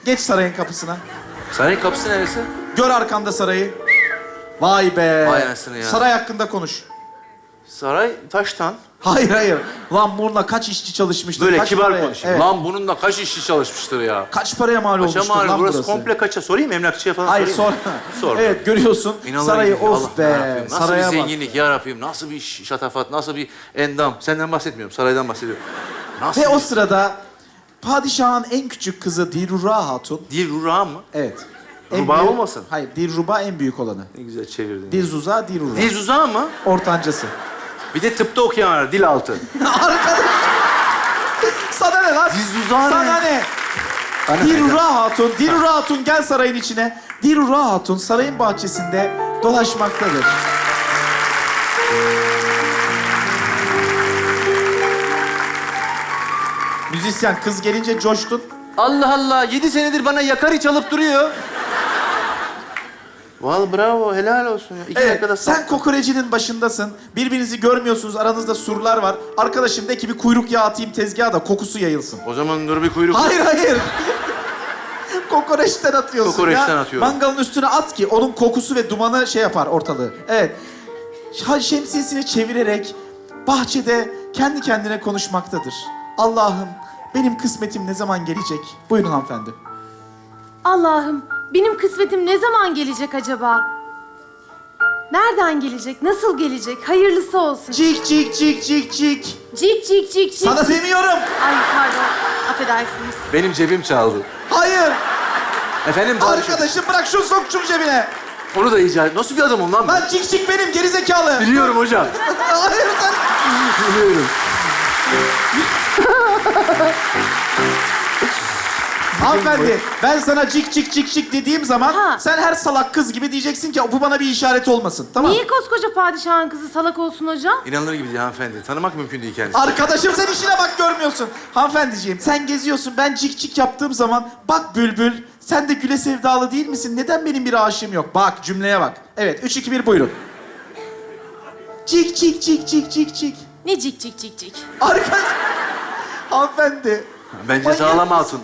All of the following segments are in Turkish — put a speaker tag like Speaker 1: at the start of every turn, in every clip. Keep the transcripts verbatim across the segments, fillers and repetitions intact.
Speaker 1: Geç sarayın kapısına.
Speaker 2: Sarayın kapısı neresi?
Speaker 1: Gör arkanda sarayı. Vay be.
Speaker 2: Vay anasını ya.
Speaker 1: Saray hakkında konuş.
Speaker 2: Saray taştan.
Speaker 1: Hayır hayır. Lan bununla kaç işçi çalışmıştır?
Speaker 2: Böyle
Speaker 1: kaç
Speaker 2: kibar
Speaker 1: paraya?
Speaker 2: konuşayım.
Speaker 1: Evet.
Speaker 2: Lan bununla kaç işçi çalışmıştır ya?
Speaker 1: Kaç paraya mal
Speaker 2: Kaça
Speaker 1: olmuştur
Speaker 2: mal?
Speaker 1: lan
Speaker 2: Burası,
Speaker 1: burası?
Speaker 2: komple kaça? Sorayım emlakçıya falan
Speaker 1: Hayır
Speaker 2: sorayım.
Speaker 1: sor.
Speaker 2: Sor.
Speaker 1: Evet görüyorsun.
Speaker 2: İnanılır
Speaker 1: sarayı
Speaker 2: gibi. Allah,
Speaker 1: of
Speaker 2: ne
Speaker 1: be.
Speaker 2: yapayım? Nasıl
Speaker 1: Saraya
Speaker 2: bir
Speaker 1: bak.
Speaker 2: zenginlik ya Rabbim? Nasıl bir şatafat? Nasıl bir endam? Senden bahsetmiyorum. Saraydan bahsediyorum. Nasıl
Speaker 1: Ve o
Speaker 2: bir...
Speaker 1: sırada padişahın en küçük kızı Dilruba Hatun.
Speaker 2: Dilruba mı?
Speaker 1: Evet.
Speaker 2: Ruba
Speaker 1: büyük-
Speaker 2: olmasın?
Speaker 1: Hayır, Dilruba en büyük olanı.
Speaker 2: Ne güzel çevirdin.
Speaker 1: Dilzuza, Dilruba.
Speaker 2: Dilzuza mı?
Speaker 1: Ortancası.
Speaker 2: Bir de tıpta okuyan var. Dil altı.
Speaker 1: Arkadaş. Sana ne lan?
Speaker 2: Dilzuza ne?
Speaker 1: Sana ne?
Speaker 2: Bana
Speaker 1: Dilruba Hatun, Dilruba Hatun gel sarayın içine. Dilruba Hatun sarayın bahçesinde dolaşmaktadır. Müzisyen kız gelince coştun.
Speaker 2: Allah Allah. Yedi senedir bana yakari çalıp duruyor. Vallahi bravo. Helal olsun ya. İki
Speaker 1: Evet,
Speaker 2: dakikada
Speaker 1: sen kokorecinin başındasın. Birbirinizi görmüyorsunuz, aranızda surlar var. Arkadaşım de ki bir kuyruk yağı atayım tezgaha da kokusu yayılsın.
Speaker 2: O zaman dur bir kuyruk.
Speaker 1: Hayır, hayır. Kokoreçten atıyorsun
Speaker 2: Kokoreçten
Speaker 1: ya.
Speaker 2: atıyorum.
Speaker 1: Mangalın üstüne at ki onun kokusu ve dumanı şey yapar ortalığı. Evet. Ha- Şemsiyesini çevirerek bahçede kendi kendine konuşmaktadır. Allah'ım benim kısmetim ne zaman gelecek? Buyurun hanımefendi.
Speaker 3: Allah'ım, benim kısmetim ne zaman gelecek acaba? Nereden gelecek? Nasıl gelecek? Hayırlısı olsun.
Speaker 1: Cik cik cik cik cik.
Speaker 3: Cik cik cik cik.
Speaker 1: Sana demiyorum.
Speaker 3: Ay pardon, affedersiniz.
Speaker 2: Benim cebim çaldı.
Speaker 1: Hayır.
Speaker 2: Efendim padişah.
Speaker 1: Arkadaşım bırak şunu sok şunu cebine.
Speaker 2: Onu da icat. Nasıl bir adamım lan ben?
Speaker 1: Lan cik cik benim gerizekalı.
Speaker 2: Biliyorum hocam.
Speaker 1: Hayır sen.
Speaker 2: Biliyorum.
Speaker 1: Hanımefendi ben sana cik cik cik cik dediğim zaman
Speaker 3: Ha.
Speaker 1: sen her salak kız gibi diyeceksin ki bu bana bir işaret olmasın. Tamam mı?
Speaker 3: Niye koskoca padişahın kızı salak olsun hocam?
Speaker 2: İnanılır gibi değil hanımefendi. Tanımak mümkün değil kendisi.
Speaker 1: Arkadaşım sen işine bak görmüyorsun. Hanımefendiciğim sen geziyorsun ben cik cik yaptığım zaman bak bülbül sen de güle sevdalı değil misin? Neden benim bir aşığım yok? Bak cümleye bak. Evet üç iki bir buyurun. Cik cik cik cik cik cik.
Speaker 3: Ne cik cik cik cik?
Speaker 1: Arkadaş. Hanımefendi.
Speaker 2: Bence
Speaker 1: Manyak
Speaker 2: sağlam
Speaker 1: mısın?
Speaker 2: hatun.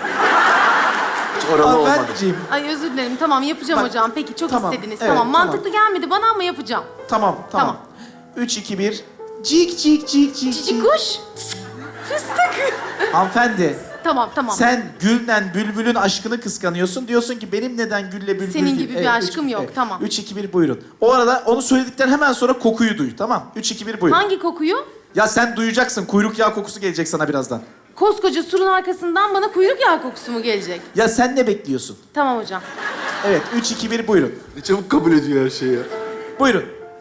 Speaker 2: Hiç oralı olmadı.
Speaker 1: Hanımefendiciğim.
Speaker 3: Ay özür dilerim. Tamam yapacağım
Speaker 1: Bak,
Speaker 3: hocam. Peki çok
Speaker 1: tamam,
Speaker 3: istediniz.
Speaker 1: evet,
Speaker 3: tamam.
Speaker 1: tamam.
Speaker 3: Mantıklı gelmedi bana ama yapacağım.
Speaker 1: Tamam tamam.
Speaker 3: Tamam.
Speaker 1: Üç iki bir. Cik cik cik cik
Speaker 3: Cici kuş. Fıstık.
Speaker 1: Hanımefendi.
Speaker 3: Tamam tamam.
Speaker 1: Sen Gül'den Bülbül'ün aşkını kıskanıyorsun. Diyorsun ki benim neden Gül'le Bülbül
Speaker 3: Senin
Speaker 1: değil?
Speaker 3: gibi bir
Speaker 1: Evet,
Speaker 3: aşkım
Speaker 1: üç-
Speaker 3: yok,
Speaker 1: evet.
Speaker 3: tamam.
Speaker 1: Üç iki bir buyurun. O arada onu söyledikten hemen sonra kokuyu duy. Tamam. Üç iki bir buyurun.
Speaker 3: Hangi kokuyu?
Speaker 1: Ya sen duyacaksın. Kuyruk yağı kokusu gelecek sana birazdan.
Speaker 3: Koskoca surun arkasından bana kuyruk yağı kokusu mu gelecek?
Speaker 1: Ya sen ne bekliyorsun?
Speaker 3: Tamam hocam.
Speaker 1: Evet. Üç iki bir buyurun.
Speaker 2: Ne çabuk kabul ediyor her şeyi ya.
Speaker 1: Buyurun.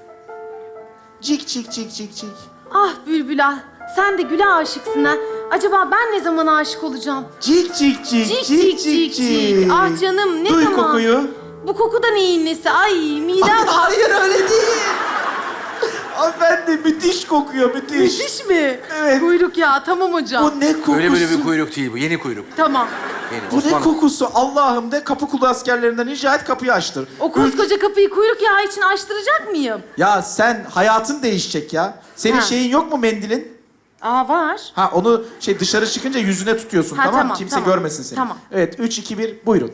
Speaker 1: Cik cik cik cik cik.
Speaker 3: Ah Bülbül ah. Sen de Gül'e aşıksın ha. Acaba ben ne zaman aşık olacağım?
Speaker 1: Cik cik cik
Speaker 3: Cik cik cik cik. Ah canım ne
Speaker 1: Duy
Speaker 3: zaman?
Speaker 1: kokuyu.
Speaker 3: Bu koku da neyin nesi? Ay midem...
Speaker 1: Ay, hayır öyle değil. Hanımefendi müthiş kokuyor müthiş.
Speaker 3: Müthiş mi?
Speaker 1: Evet.
Speaker 3: Kuyruk yağı tamam hocam.
Speaker 1: Bu ne kokusu?
Speaker 2: Öyle böyle bir kuyruk değil bu. Yeni kuyruk.
Speaker 3: Tamam.
Speaker 2: Yeni.
Speaker 1: Bu ne
Speaker 2: Osmanlı.
Speaker 1: kokusu? Allah'ım de kapı kulu askerlerinden rica et kapıyı açtır.
Speaker 3: O koskoca kapıyı kuyruk yağı için açtıracak mıyım?
Speaker 1: Ya sen hayatın değişecek ya. Senin
Speaker 3: Ha.
Speaker 1: şeyin yok mu mendilin?
Speaker 3: Aa var.
Speaker 1: Ha onu şey dışarı çıkınca yüzüne tutuyorsun
Speaker 3: Ha,
Speaker 1: tamam mı?
Speaker 3: tamam,
Speaker 1: Kimse
Speaker 3: tamam.
Speaker 1: görmesin seni.
Speaker 3: Tamam.
Speaker 1: Evet üç iki bir buyurun.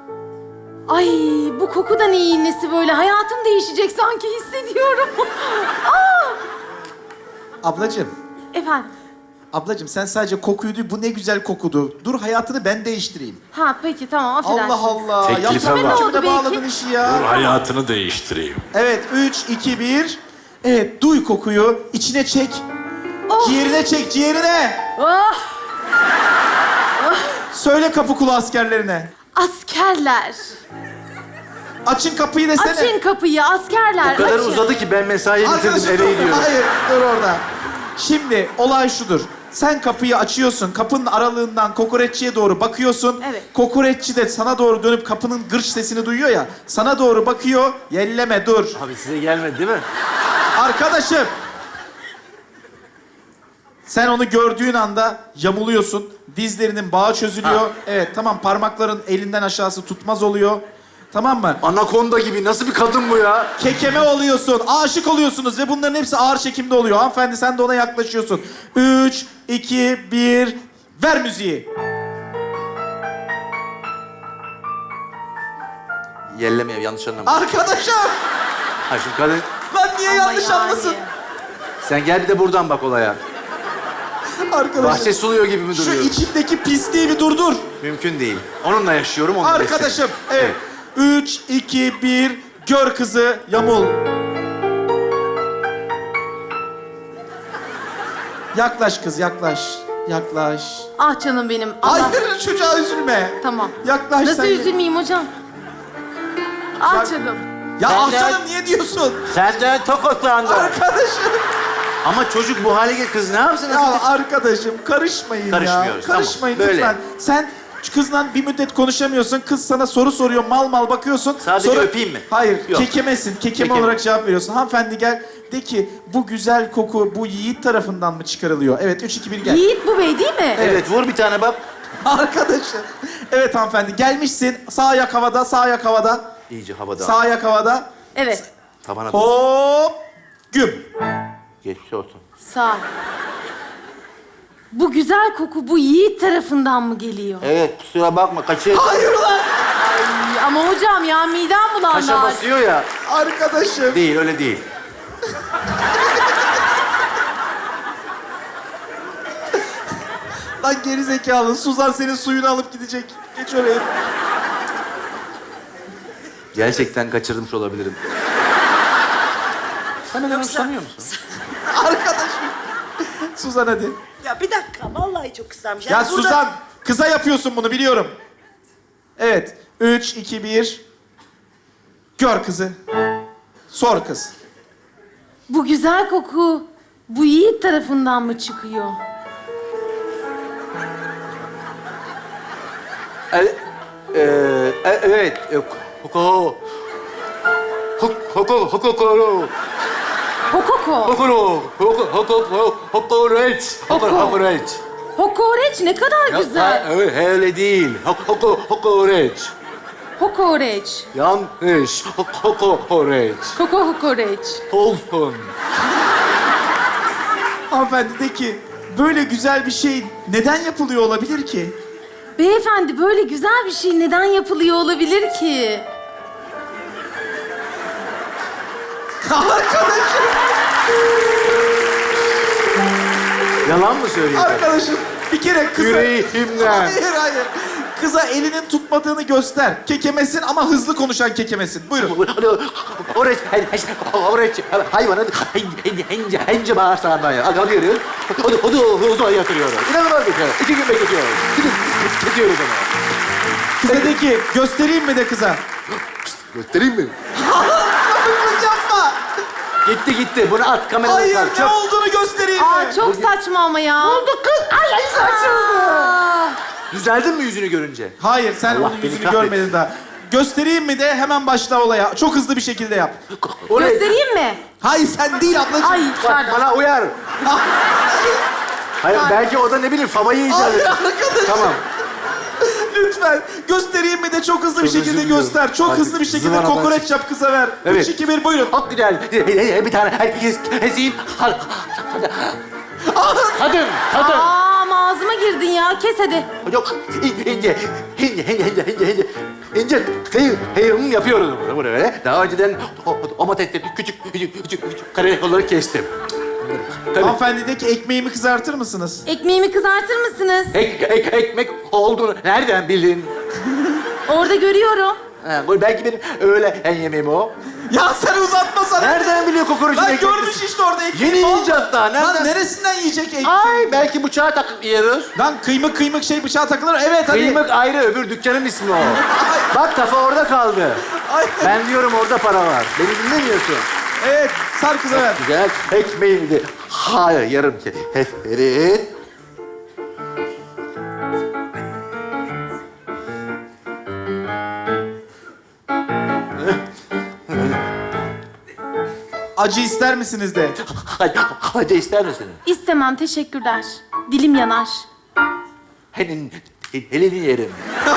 Speaker 3: Ay bu koku da neyin nesi böyle? Hayatım değişecek sanki hissediyorum. Aa!
Speaker 1: Ablacığım,
Speaker 3: Efendim.
Speaker 1: ablacığım sen sadece kokuyu duy. Bu ne güzel kokudu. Dur hayatını ben değiştireyim.
Speaker 3: Ha peki tamam affedersiniz.
Speaker 1: Allah Allah.
Speaker 2: Teklife
Speaker 1: Yapsana
Speaker 2: bak.
Speaker 1: içimde
Speaker 3: Ne oldu
Speaker 1: bağladın
Speaker 3: belki?
Speaker 1: işi ya.
Speaker 2: hayatını değiştireyim.
Speaker 1: Evet üç iki bir. Evet duy kokuyu. İçine çek.
Speaker 3: Oh.
Speaker 1: Ciğerine çek ciğerine.
Speaker 3: Oh!
Speaker 1: Söyle kapı kulu askerlerine.
Speaker 3: Askerler.
Speaker 1: Açın kapıyı desene.
Speaker 3: Açın kapıyı askerler.
Speaker 2: O kadar
Speaker 3: açın.
Speaker 2: uzadı ki ben mesaiye bitirdim
Speaker 1: Arkadaşım
Speaker 2: eve
Speaker 1: dur.
Speaker 2: gidiyorum.
Speaker 1: Hayır dur orada. Şimdi olay şudur. Sen kapıyı açıyorsun. Kapının aralığından kokoreççiye doğru bakıyorsun.
Speaker 3: Evet.
Speaker 1: Kokoreççi de sana doğru dönüp kapının gırç sesini duyuyor ya. Sana doğru bakıyor. Yelleme dur.
Speaker 2: Abi size gelmedi değil mi?
Speaker 1: Arkadaşım. Sen onu gördüğün anda yamuluyorsun. Dizlerinin bağı çözülüyor.
Speaker 2: Ha.
Speaker 1: Evet tamam parmakların elinden aşağısı tutmaz oluyor. Tamam mı?
Speaker 2: Anakonda gibi nasıl bir kadın bu ya?
Speaker 1: Kekeme oluyorsun, aşık oluyorsunuz ve bunların hepsi ağır çekimde oluyor. Hanımefendi sen de ona yaklaşıyorsun. Üç, iki, bir, ver müziği.
Speaker 2: Yellemeye yanlış anlama.
Speaker 1: Arkadaşım!
Speaker 2: Ha şimdi kadın...
Speaker 1: Lan niye
Speaker 3: Ama
Speaker 1: yanlış
Speaker 3: yani.
Speaker 1: anlasın?
Speaker 2: Sen gel bir de buradan bak olaya.
Speaker 1: Arkadaşım.
Speaker 2: Bahçe suluyor gibi mi
Speaker 1: Şu
Speaker 2: duruyor?
Speaker 1: içindeki pisliği bir durdur.
Speaker 2: Mümkün değil. Onunla yaşıyorum, onunla
Speaker 1: Arkadaşım,
Speaker 2: besliyorum.
Speaker 1: evet. Üç, iki, bir, gör kızı, yamul. Yaklaş kız, yaklaş. Yaklaş.
Speaker 3: Ah canım benim. Allah.
Speaker 1: Hayır, çocuğa üzülme.
Speaker 3: Tamam.
Speaker 1: Yaklaş
Speaker 3: Nasıl
Speaker 1: sen.
Speaker 3: üzülmeyeyim hocam? Ah
Speaker 1: Ya-
Speaker 3: canım.
Speaker 1: Ya
Speaker 2: Ben
Speaker 1: ah
Speaker 2: de-
Speaker 1: canım niye diyorsun?
Speaker 2: Senden tokatlandı.
Speaker 1: Arkadaşım.
Speaker 2: Ama çocuk bu hale gel, kız ne yapsın?
Speaker 1: Ya arkadaşım karışmayın ya.
Speaker 2: Karışmıyoruz, tamam.
Speaker 1: Karışmayın
Speaker 2: Böyle.
Speaker 1: lütfen. Sen şu kızla bir müddet konuşamıyorsun. Kız sana soru soruyor, mal mal bakıyorsun.
Speaker 2: Sadece öpeyim mi?
Speaker 1: Hayır,
Speaker 2: Yok.
Speaker 1: kekemesin. Kekeme
Speaker 2: Kekeme.
Speaker 1: olarak cevap veriyorsun. Hanımefendi gel, de ki bu güzel koku bu yiğit tarafından mı çıkarılıyor? Evet, üç, iki, bir gel.
Speaker 3: Yiğit bu bey değil mi?
Speaker 2: Evet, vur bir tane bak.
Speaker 1: Arkadaşım. Evet hanımefendi, gelmişsin. Sağ ayak havada, sağ ayak havada.
Speaker 2: İyice havada.
Speaker 1: Sağ ayak havada.
Speaker 3: Evet.
Speaker 2: Tabana doğru.
Speaker 1: Hop, güm.
Speaker 2: Geçmiş olsun.
Speaker 3: Sağ ol. Bu güzel koku bu Yiğit tarafından mı geliyor?
Speaker 2: Evet, kusura bakma. Kaçı...
Speaker 1: Hayır lan!
Speaker 3: Ay, ama hocam ya midem bulandı.
Speaker 2: Kaşa
Speaker 3: artık.
Speaker 2: basıyor ya.
Speaker 1: Arkadaşım.
Speaker 2: Değil, öyle değil.
Speaker 1: Lan geri zekalı. Suzan senin suyunu alıp gidecek. Geç oraya.
Speaker 2: Gerçekten kaçırmış olabilirim. Sen beni hoşlanıyor musun?
Speaker 1: Arkadaşım. Suzan hadi.
Speaker 4: Ya bir dakika, vallahi çok kısalmış.
Speaker 1: Ya
Speaker 4: Yani burada-
Speaker 1: Suzan, kıza yapıyorsun bunu biliyorum. Evet. Üç, iki, bir. Gör kızı. Sor kız.
Speaker 3: Bu güzel koku bu Yiğit tarafından mı çıkıyor?
Speaker 2: El, e, e, evet. E, Hoko. Hoko. Hoko. Hoko.
Speaker 3: Hokoko.
Speaker 2: Hoko. Hoko. Hoko. Hokoreç. Hoko.
Speaker 3: Hoko.
Speaker 2: Hokoreç.
Speaker 3: Hokoreç ne kadar güzel.
Speaker 2: Evet, öyle değil. Hoko. Hokoreç.
Speaker 3: Hokoreç.
Speaker 2: Yanlış. Hoko. Hokoreç.
Speaker 3: Koko hokoreç.
Speaker 2: Olsun.
Speaker 1: Hanımefendi de ki, böyle güzel bir şey neden yapılıyor olabilir ki?
Speaker 3: Beyefendi böyle güzel bir şey neden yapılıyor olabilir ki?
Speaker 1: Arkadaşım,
Speaker 2: Yalan mı söylüyorsun?
Speaker 1: arkadaşım. Bir kere kıza...
Speaker 2: Yüreğimden.
Speaker 1: Hayır, hayır. Kıza elinin tutmadığını göster. Kekemesin ama hızlı konuşan kekemesin. Buyurun.
Speaker 2: Oreç, oreç, hayvanın hence, hence, hence bağırsağından ya. Alıyoruz, o da, o da uzağa yatırıyoruz. İnanılmaz bir şey. İki gün bekletiyoruz. İki gün bekletiyoruz onu.
Speaker 1: Kıza de ki, göstereyim mi de kıza?
Speaker 2: Göstereyim mi?
Speaker 1: Kapıklık yapma.
Speaker 2: Gitti gitti. Bunu at kameraya
Speaker 1: Hayır,
Speaker 2: kal.
Speaker 1: ne
Speaker 2: Çöp.
Speaker 1: olduğunu göstereyim mi?
Speaker 3: Aa çok saçma ama ya.
Speaker 2: Oldu kız. Ay ay saçıldı.
Speaker 3: Aa,
Speaker 2: Düzeldin mi yüzünü görünce?
Speaker 1: Hayır, sen
Speaker 2: Allah
Speaker 1: onun
Speaker 2: beni
Speaker 1: yüzünü
Speaker 2: kahretsin.
Speaker 1: görmedin daha. Göstereyim mi de hemen başla olaya. Çok hızlı bir şekilde yap.
Speaker 2: Oraya.
Speaker 3: göstereyim mi?
Speaker 1: Hayır, sen değil ablacığım.
Speaker 3: Ay
Speaker 2: Bak
Speaker 3: pardon.
Speaker 2: bana uyar. Hayır belki o da ne bileyim favayı icat
Speaker 1: Ay,
Speaker 2: eder.
Speaker 1: arkadaşım.
Speaker 2: Tamam.
Speaker 1: Lütfen göstereyim mi de çok hızlı bir
Speaker 2: Çok özür
Speaker 1: şekilde
Speaker 2: diliyorum.
Speaker 1: göster. Çok
Speaker 2: Hadi,
Speaker 1: hızlı bir şekilde
Speaker 2: zıvanadan
Speaker 1: kokoreç
Speaker 2: çık.
Speaker 1: yap kıza ver.
Speaker 2: Evet.
Speaker 1: Üç, iki, bir buyurun.
Speaker 2: Çok güzel. Bir tane herkes keseyim. Kadın, kadın.
Speaker 3: Aa ama ağzıma girdin ya. Kes hadi.
Speaker 2: Yok, ince, ince, ince, ince, ince, ince, ince, ince, hey, hey, yapıyoruz bunu böyle. Daha önceden domatesleri küçük, küçük, küçük, küçük kare olarak kestim. Tabii.
Speaker 1: Hanımefendi de ki ekmeğimi kızartır mısınız?
Speaker 3: Ekmeğimi kızartır mısınız?
Speaker 2: Ek, ek, ekmek olduğunu nereden bildin?
Speaker 3: Orada görüyorum.
Speaker 2: Ha, bu belki benim öyle en yemeğim o.
Speaker 1: Ya sen uzatma sana.
Speaker 2: Nereden biliyor kokoreçin
Speaker 1: Lan
Speaker 2: ekmek?
Speaker 1: görmüş işte orada ekmeği.
Speaker 2: Yeni
Speaker 1: Al.
Speaker 2: icat daha, nereden?
Speaker 1: Lan neresinden yiyecek ekmeği?
Speaker 2: Ay belki bıçağa takıp yiyoruz.
Speaker 1: Lan kıymık kıymık şey bıçağa takılır. Evet hadi.
Speaker 2: Kıymak ayrı, öbür dükkanın ismi o. Bak kafa orada kaldı.
Speaker 1: Ay.
Speaker 2: Ben diyorum orada para var. Beni dinlemiyorsun.
Speaker 1: Evet, sar kıza ver.
Speaker 2: Güzel ekmeğiydi. Hayır, yarım ki. Heferin.
Speaker 1: Acı ister misiniz de?
Speaker 2: Hadi, hadi ister misin?
Speaker 3: İstemem teşekkürler. Dilim yanar.
Speaker 2: Henin, elini yerim.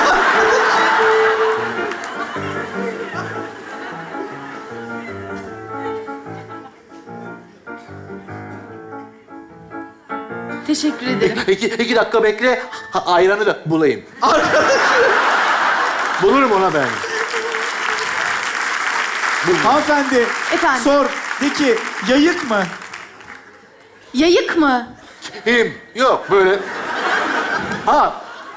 Speaker 3: Teşekkür ederim.
Speaker 2: İki, iki dakika bekle, ha- ayranı da bulayım.
Speaker 1: Arkadaşım.
Speaker 2: Bulurum ona ben.
Speaker 1: Hanımefendi.
Speaker 3: Efendim?
Speaker 1: Sor. De ki yayık mı?
Speaker 3: Yayık mı?
Speaker 2: Him. Yok böyle. Ha.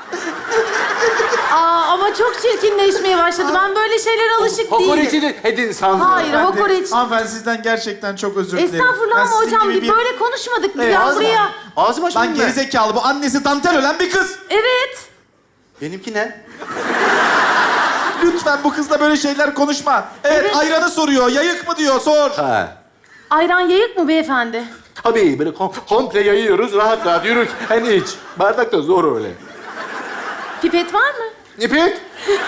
Speaker 3: Aa ama çok çirkinleşmeye başladı. Ben böyle şeylere alışık değilim.
Speaker 2: Kokoreçi edin sandım.
Speaker 3: Hayır,
Speaker 1: Hanımefendi,
Speaker 3: hokoreç.
Speaker 1: Hanımefendi sizden gerçekten çok özür dilerim.
Speaker 3: Estağfurullah
Speaker 1: Ben
Speaker 3: ama
Speaker 1: sizin
Speaker 3: hocam
Speaker 1: gibi
Speaker 3: bir böyle konuşmadık.
Speaker 1: Evet,
Speaker 3: ya
Speaker 1: ağzım-
Speaker 3: buraya.
Speaker 2: Ağzım açmadım
Speaker 1: Lan
Speaker 2: ben.
Speaker 1: gerizekalı bu annesi dantel ölen bir kız.
Speaker 3: Evet.
Speaker 2: Benimki ne?
Speaker 1: Lütfen bu kızla böyle şeyler konuşma. Evet,
Speaker 3: Evet.
Speaker 1: ayranı soruyor. Yayık mı diyor sor.
Speaker 2: Ha.
Speaker 3: Ayran yayık mı beyefendi?
Speaker 2: Tabii böyle kom komple yayıyoruz rahat rahat yürürken iç. Bardak da zor öyle.
Speaker 3: Pipet var mı?
Speaker 2: İpek.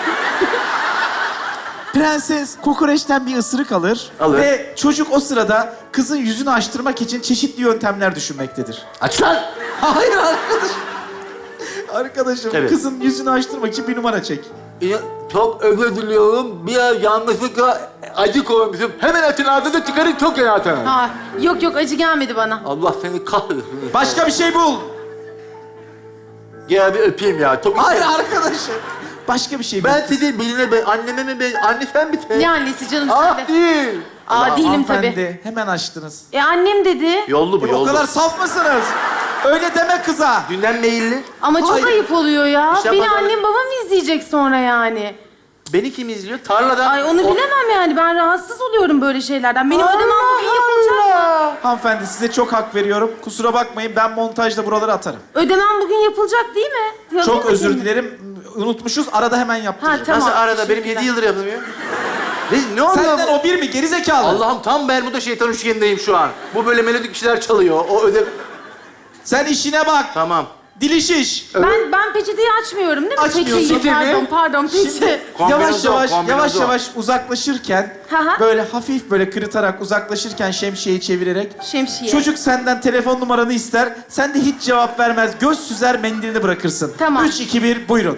Speaker 1: Prenses kokoreçten bir ısırık alır.
Speaker 2: Alır.
Speaker 1: Ve çocuk o sırada kızın yüzünü açtırmak için çeşitli yöntemler düşünmektedir.
Speaker 2: Aç lan.
Speaker 1: Hayır arkadaş. Arkadaşım
Speaker 2: Evet.
Speaker 1: kızın yüzünü açtırmak için bir numara çek.
Speaker 2: Ya, çok özür diliyorum. Bir yanlışlıkla acı koymuşum. Hemen açın ağzını çıkarın çok iyi atın.
Speaker 3: Ha, yok yok acı gelmedi bana.
Speaker 2: Allah seni kahretsin.
Speaker 1: Başka bir şey bul.
Speaker 2: Gel bir öpeyim ya. Çok
Speaker 1: Hayır arkadaşım. Başka bir şey bul.
Speaker 2: Ben sizi birine be, anneme mi be, anne sen mi sen?
Speaker 3: Ne annesi canım
Speaker 2: Ah
Speaker 3: sende?
Speaker 2: değil.
Speaker 3: Aa değilim
Speaker 1: Hanımefendi,
Speaker 3: tabii.
Speaker 1: hemen açtınız.
Speaker 3: E annem dedi.
Speaker 2: Yollu bu
Speaker 1: E, o
Speaker 2: yollu.
Speaker 1: kadar saf mısınız? Öyle deme kıza.
Speaker 2: Dünden meyilli.
Speaker 3: Ama çok
Speaker 1: Hayır.
Speaker 3: ayıp oluyor ya.
Speaker 2: İşte
Speaker 3: Beni
Speaker 2: pazar-
Speaker 3: annem babam izleyecek sonra yani.
Speaker 2: Beni kim izliyor? Tarlada.
Speaker 3: Ay onu
Speaker 2: O-
Speaker 3: bilemem yani. Ben rahatsız oluyorum böyle şeylerden. Benim ödemem bugün yapılacak mı?
Speaker 1: Hanımefendi size çok hak veriyorum. Kusura bakmayın ben montajda buraları atarım.
Speaker 3: Ödemem bugün yapılacak değil mi? Ya,
Speaker 1: Çok
Speaker 3: değil mi?
Speaker 1: özür dilerim. Unutmuşuz. Arada hemen yaptırırım.
Speaker 3: Ha, tamam.
Speaker 2: Nasıl arada? Benim
Speaker 3: Teşekkürler.
Speaker 2: yedi yıldır yapılmıyor. Ne, ne oluyor?
Speaker 1: Senden o bir mi? Gerizekalı.
Speaker 2: Allah'ım tam Bermuda şeytan üçgenindeyim şu an. Bu böyle melodik bir şeyler çalıyor. O öde...
Speaker 1: Sen işine bak.
Speaker 2: Tamam.
Speaker 1: Dili şiş.
Speaker 3: Ben ben peçeteyi açmıyorum değil mi?
Speaker 1: Açmıyorsun.
Speaker 3: Peçeyi,
Speaker 2: Peçete mi?
Speaker 3: pardon pardon peçete.
Speaker 1: Yavaş
Speaker 2: Kombinasyon,
Speaker 1: yavaş,
Speaker 2: kombinasyon.
Speaker 1: yavaş yavaş uzaklaşırken
Speaker 3: Hı hı.
Speaker 1: böyle hafif böyle kırıtarak uzaklaşırken şemsiyeyi çevirerek
Speaker 3: Şemsiye.
Speaker 1: çocuk senden telefon numaranı ister. Sen de hiç cevap vermez. Göz süzer mendilini bırakırsın.
Speaker 3: Tamam.
Speaker 1: Üç, iki, bir buyurun.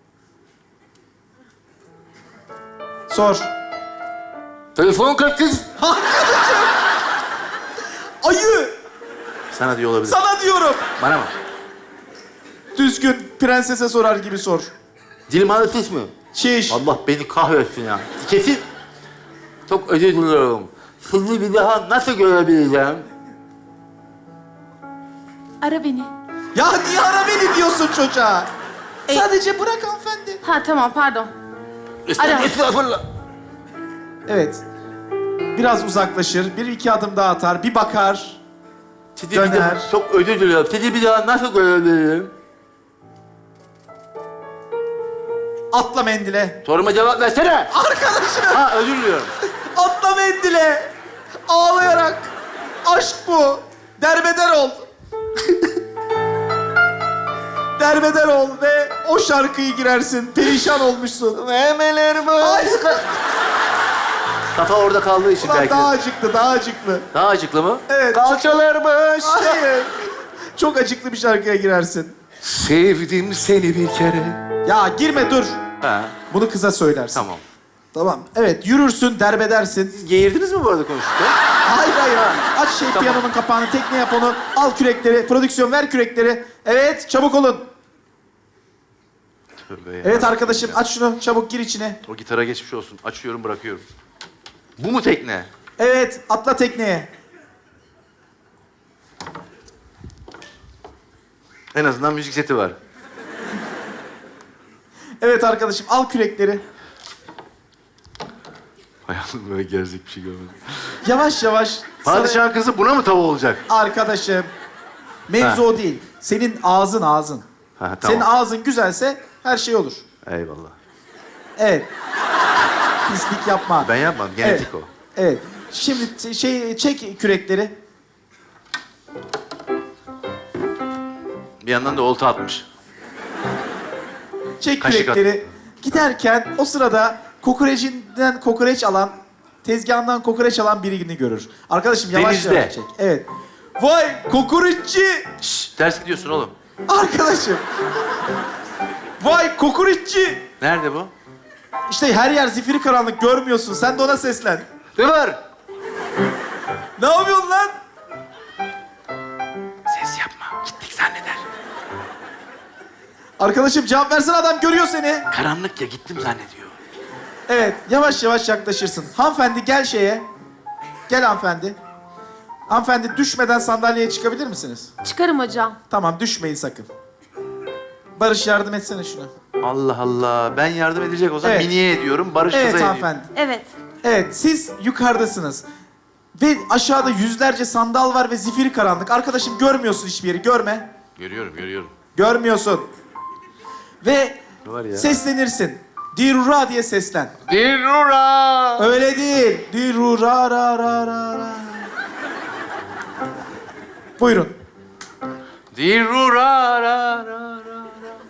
Speaker 1: Sor.
Speaker 2: Telefon kaçsız.
Speaker 1: Ayı!
Speaker 2: Sana diyor olabilir.
Speaker 1: Sana diyorum.
Speaker 2: Bana mı?
Speaker 1: Düzgün prensese sorar gibi sor.
Speaker 2: Dilim ağrıtış mı?
Speaker 1: Şiş.
Speaker 2: Allah beni kahretsin ya. Kesin. Çok özür diliyorum. Sizi bir daha nasıl görebileceğim?
Speaker 3: Ara beni.
Speaker 1: Ya niye ara beni diyorsun çocuğa?
Speaker 3: E-
Speaker 1: Sadece bırak hanımefendi.
Speaker 3: Ha tamam pardon.
Speaker 2: Estağfurullah. Estağfurullah.
Speaker 1: Evet. Biraz uzaklaşır. Bir iki adım daha atar. Bir bakar.
Speaker 2: Sizi bir
Speaker 1: Döner.
Speaker 2: daha, çok özür diliyorum. Sizi bir daha nasıl görebilirim?
Speaker 1: Atla mendile.
Speaker 2: Soruma cevap versene.
Speaker 1: Arkadaşım
Speaker 2: Ha özür diliyorum.
Speaker 1: atla mendile. Ağlayarak. Aşk bu. Derbeder ol. Derbeder ol ve o şarkıyı girersin. Perişan olmuşsun.
Speaker 2: Memeler bu.
Speaker 1: Ay,
Speaker 2: Kafa orada kaldığı için
Speaker 1: ulan
Speaker 2: belki.
Speaker 1: daha acıklı, daha acıklı.
Speaker 2: Daha acıklı mı?
Speaker 1: Evet.
Speaker 2: Kalçalarmış.
Speaker 1: Hayır. Çok acıklı bir şarkıya girersin.
Speaker 2: Sevdim seni bir kere.
Speaker 1: Ya girme dur.
Speaker 2: Ha,
Speaker 1: Bunu kıza söylersin.
Speaker 2: tamam.
Speaker 1: Tamam. Evet yürürsün, derbedersin.
Speaker 2: Siz geğirdiniz mi bu arada konuşurken?
Speaker 1: Hayır hayır. Aç şey
Speaker 2: Tamam.
Speaker 1: piyanonun kapağını, tekne yap onu. Al kürekleri, prodüksiyon ver kürekleri. Evet, çabuk olun.
Speaker 2: Tövbe ya.
Speaker 1: Evet arkadaşım aç şunu, çabuk gir içine.
Speaker 2: O gitara geçmiş olsun. Açıyorum, bırakıyorum. Bu mu tekne?
Speaker 1: Evet, atla tekneye.
Speaker 2: En azından müzik seti var.
Speaker 1: Evet arkadaşım al kürekleri.
Speaker 2: Hayatımda böyle gerzek bir şey görmedim.
Speaker 1: Yavaş yavaş.
Speaker 2: Padişahın kızı buna mı tava olacak?
Speaker 1: Sarı- Arkadaşım. Mevzu
Speaker 2: Ha.
Speaker 1: o değil. Senin ağzın ağzın.
Speaker 2: Ha, tamam.
Speaker 1: Senin ağzın güzelse her şey olur.
Speaker 2: Eyvallah.
Speaker 1: Evet. Pislik yapma.
Speaker 2: Ben yapmam, genetik
Speaker 1: Evet.
Speaker 2: o.
Speaker 1: Evet. Şimdi t- şey çek kürekleri.
Speaker 2: Bir yandan da olta atmış.
Speaker 1: Çek
Speaker 2: Kaşık
Speaker 1: kürekleri. Giderken o sırada kokorecinden kokoreç alan, tezgahından kokoreç alan birini görür. Arkadaşım yavaş
Speaker 2: Denizde.
Speaker 1: yavaş çek. Evet. Vay kokoreççi!
Speaker 2: Şşş, ters gidiyorsun oğlum.
Speaker 1: Arkadaşım. Vay kokoreççi!
Speaker 2: Nerede bu?
Speaker 1: İşte her yer zifiri karanlık görmüyorsun. Sen de ona seslen.
Speaker 2: Ne var?
Speaker 1: Ne yapıyorsun lan?
Speaker 2: Ses yapma, gittik zanneder.
Speaker 1: Arkadaşım cevap versene adam görüyor seni.
Speaker 2: Karanlık ya, gittim zannediyor.
Speaker 1: Evet, yavaş yavaş yaklaşırsın. Hanımefendi gel şeye. Gel hanımefendi. Hanımefendi düşmeden sandalyeye çıkabilir misiniz?
Speaker 3: Çıkarım hocam.
Speaker 1: Tamam, düşmeyin sakın. Barış yardım etsene şuna.
Speaker 2: Allah Allah. Ben yardım edecek olsam
Speaker 1: Evet.
Speaker 2: Mini'ye ediyorum. Barış
Speaker 1: Evet
Speaker 2: kıza ediyor.
Speaker 1: hanımefendi.
Speaker 3: Evet.
Speaker 1: Evet, siz yukarıdasınız. Ve aşağıda yüzlerce sandal var ve zifiri karanlık. Arkadaşım görmüyorsun hiçbir yeri, görme.
Speaker 2: Görüyorum, görüyorum.
Speaker 1: Görmüyorsun. Ve
Speaker 2: Ne var ya?
Speaker 1: seslenirsin. Dirura diye seslen.
Speaker 2: Dirura!
Speaker 1: Öyle değil. Dirura ra ra ra ra. Buyurun.
Speaker 2: Dirura ra ra ra ra.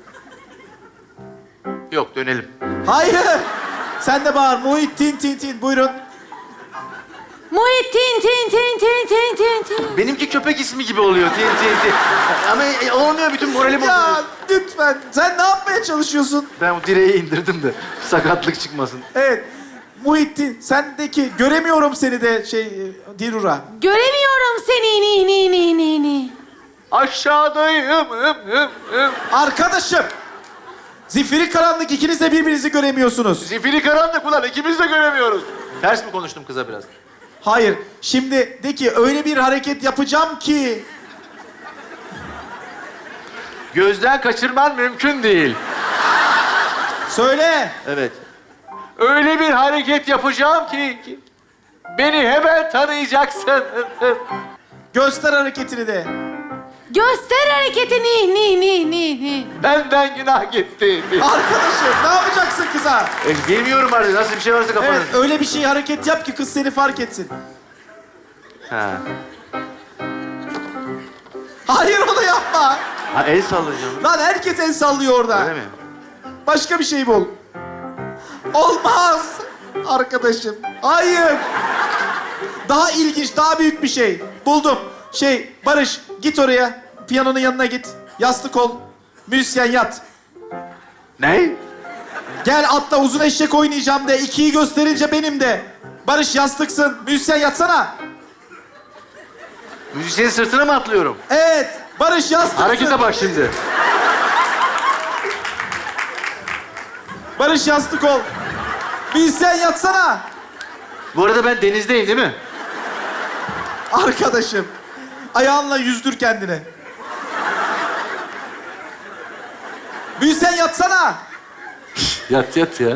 Speaker 2: Yok, dönelim.
Speaker 1: Hayır. Sen de bağır. Muhittin tin tin. Buyurun.
Speaker 3: Muhittin tin tin tin tin tin tin.
Speaker 2: Benimki köpek ismi gibi oluyor. Tin tin tin. Ama e, olmuyor, bütün moralim
Speaker 1: Ya
Speaker 2: bozuluyor.
Speaker 1: lütfen. Sen ne yapmaya çalışıyorsun?
Speaker 2: Ben bu direği indirdim de sakatlık çıkmasın.
Speaker 1: Evet. Muhittin, sendeki göremiyorum seni de şey e, Dirura.
Speaker 3: Göremiyorum seni ni ni ni ni ni.
Speaker 2: Aşağıdayım. Hım, hım, hım.
Speaker 1: Arkadaşım. Zifiri karanlık, ikiniz de birbirinizi göremiyorsunuz.
Speaker 2: Zifiri karanlık ulan, ikimiz de göremiyoruz. Ters mi konuştum kıza biraz?
Speaker 1: Hayır. Şimdi de ki öyle bir hareket yapacağım ki.
Speaker 2: Gözden kaçırman mümkün değil.
Speaker 1: Söyle.
Speaker 2: Evet. Öyle bir hareket yapacağım ki, ki beni hemen tanıyacaksın.
Speaker 1: Göster hareketini de.
Speaker 3: Göster hareketi ni ni ni ni ni.
Speaker 2: Benden günah gitti.
Speaker 1: Arkadaşım ne yapacaksın kıza?
Speaker 2: E, bilmiyorum artık, nasıl bir şey varsa kafanın.
Speaker 1: Evet öyle bir şey hareket yap ki kız seni fark etsin.
Speaker 2: Ha.
Speaker 1: Hayır onu yapma.
Speaker 2: Ha, el sallayacağım.
Speaker 1: Lan herkes el sallıyor orada.
Speaker 2: Öyle mi?
Speaker 1: Başka bir şey bul. Olmaz. Arkadaşım. Hayır. Daha ilginç, daha büyük bir şey. Buldum. Şey, Barış git oraya. Piyanonun yanına git. Yastık ol. Müzisyen yat.
Speaker 2: Ne?
Speaker 1: Gel atla uzun eşek oynayacağım de. İkiyi gösterince benim de. Barış yastıksın. Müzisyen yatsana.
Speaker 2: Müzisyenin sırtına mı atlıyorum?
Speaker 1: Evet. Barış yastıksın.
Speaker 2: Harekete bak şimdi.
Speaker 1: Barış yastık ol. Müzisyen yatsana.
Speaker 2: Bu arada ben denizdeyim değil mi?
Speaker 1: Arkadaşım. Ayağınla yüzdür kendini. Müzisyen yatsana.
Speaker 2: Yat yat ya.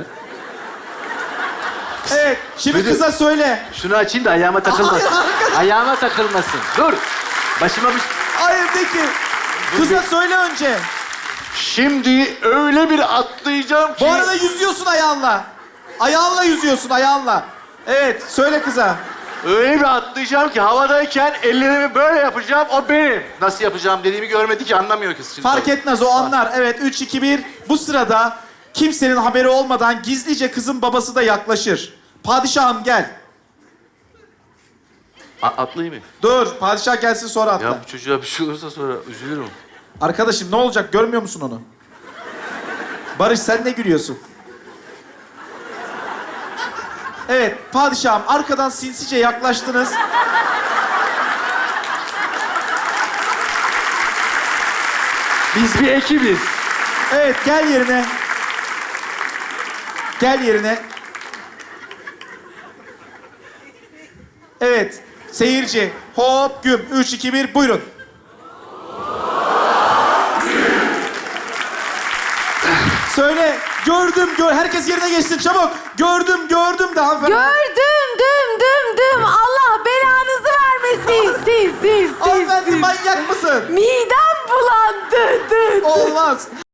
Speaker 1: Evet. Şimdi
Speaker 2: Müdür-
Speaker 1: kıza söyle.
Speaker 2: Şunu açayım da ayağıma takılmasın.
Speaker 1: Hayır, arkadaş.
Speaker 2: Ayağıma takılmasın. Dur. Başıma bir...
Speaker 1: Hayır de ki. Kıza söyle önce.
Speaker 2: Şimdi öyle bir atlayacağım ki...
Speaker 1: Bu arada yüzüyorsun ayağınla. Ayağınla yüzüyorsun ayağınla. Evet. Söyle kıza.
Speaker 2: Öyle bir atlayacağım ki havadayken ellerimi böyle yapacağım, o benim. Nasıl yapacağım dediğimi görmedi ki, anlamıyor kız şimdi.
Speaker 1: Fark etmez o anlar. Evet. Üç, iki, bir. Bu sırada kimsenin haberi olmadan gizlice kızın babası da yaklaşır. Padişahım gel.
Speaker 2: A- atlayayım mı?
Speaker 1: Dur. Padişah gelsin sonra atla.
Speaker 2: Ya bu çocuğa bir şey olursa sonra üzülürüm.
Speaker 1: Arkadaşım ne olacak görmüyor musun onu? Barış sen ne gülüyorsun? Evet padişahım arkadan sinsice yaklaştınız.
Speaker 2: Biz bir ekibiz.
Speaker 1: Evet gel yerine. Gel yerine. Evet seyirci hop güm. Üç, iki, bir buyurun. Söyle. Gördüm, gör. Herkes yerine geçsin çabuk. Gördüm, gördüm de hanımefendi.
Speaker 3: Gördüm düm düm düm. Allah belanızı vermesin. Siz siz siz.
Speaker 1: Hanımefendi
Speaker 3: siz.
Speaker 1: manyak mısın?
Speaker 3: Midem bulandı. Dü, dü.
Speaker 1: Olmaz.